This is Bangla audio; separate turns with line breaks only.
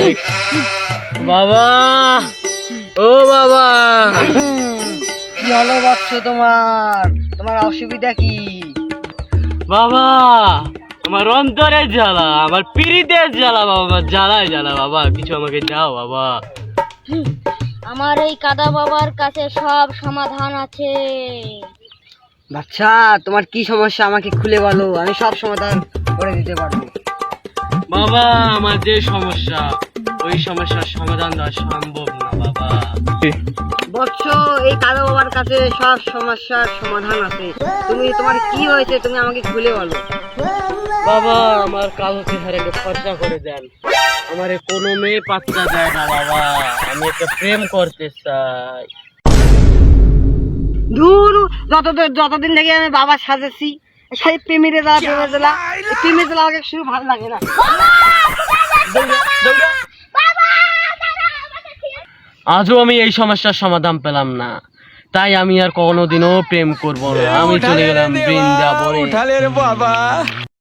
বাবা, ও বাবা,
কি হলো বৎস? তোমার তোমার অসুবিধা কি?
বাবা আমার অন্তরের জ্বালা, আমার পিরিতের জ্বালা বাবা, আমার জ্বালায় জ্বালা বাবা, কিছু আমাকে দাও বাবা।
আমার এই কাদা বাবার কাছে সব সমাধান আছে।
বাচ্চা, তোমার কি সমস্যা আমাকে খুলে বলো, আমি সব সমাধান করে দিতে পারবো।
বাবা আমার যে সমস্যা, ওই সমস্যার সমাধান দেওয়া সম্ভব না বাবা।
বৎস, এই কাদা বাবার কাছে সব সমস্যার সমাধান আছে। তোমার কি হয়েছে তুমি আমাকে খুলে বলো।
বাবা আমার কালো চেহারাকে ফর্সা করে দেন, আমারে কোনো মেয়ে পাত্তা দেয় না বাবা, আমি একটা প্রেম করতে চাই।
ধুর, যতদিন থেকে আমি বাবা সাজেছি, সেই প্রেমিরে যাওয়া প্রেমে জ্বালা আমাকে শুরু ভালো লাগে না।
আজও আমি এই সমস্যার সমাধান পেলাম না, তাই আমি আর কোনোদিনও প্রেম করবো না। আমি চলে গেলাম বৃন্দাবনে।